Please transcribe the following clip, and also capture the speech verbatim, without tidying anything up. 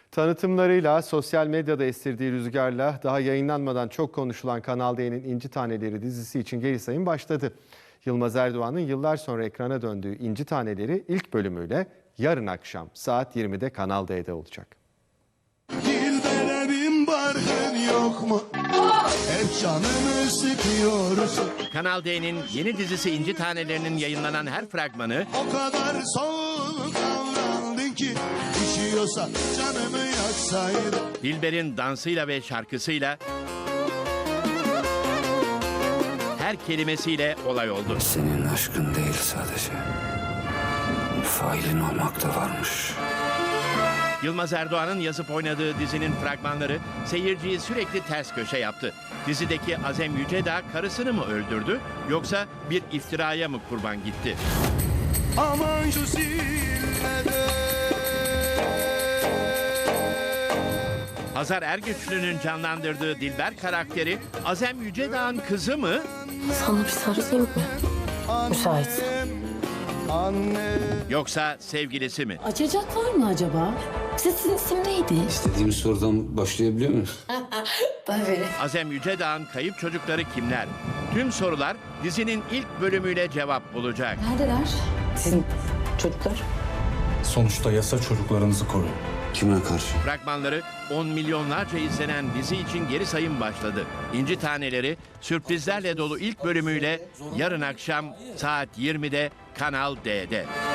Tanıtımlarıyla, sosyal medyada estirdiği rüzgarla daha yayınlanmadan çok konuşulan Kanal D'nin İnci Taneleri dizisi için geri sayım başladı. Yılmaz Erdoğan'ın yıllar sonra ekrana döndüğü İnci Taneleri ilk bölümüyle yarın akşam saat yirmide Kanal D'de olacak. Dilbere bin barkın yok mu? Hep canımı sıkıyorsun. Kanal D'nin yeni dizisi İnci Tanelerinin yayınlanan her fragmanı O kadar soğuk davrandın ki üşüyorsa canımı yaksaydın. Dilber'in dansıyla ve şarkısıyla her kelimesiyle olay oldu. Senin aşkın değil sadece. Failin olmak da varmış. Yılmaz Erdoğan'ın yazıp oynadığı dizinin fragmanları seyirciyi sürekli ters köşe yaptı. Dizideki Azem Yücedağ karısını mı öldürdü yoksa bir iftiraya mı kurban gitti? Aman şu zillede. Hazar Ergüçlü'nün canlandırdığı Dilber karakteri Azem Yücedağ'ın kızı mı? Sana bir sarılayım mı? Müsaitsen. Anne. Yoksa sevgilisi mi? Açacaklar mı acaba? Sizin isim neydi? İstediğimiz sorudan başlayabiliyor muyuz? Tabii. Azem Yücedağ'ın kayıp çocukları kimler? Tüm sorular dizinin ilk bölümüyle cevap bulacak. Neredeler? Sizin çocuklar. Sonuçta yasa çocuklarınızı koruyor. Kime karşı? Fragmanları on milyonlarca izlenen dizi için geri sayım başladı. İnci Taneleri sürprizlerle dolu ilk bölümüyle yarın akşam saat yirmide Kanal D'de.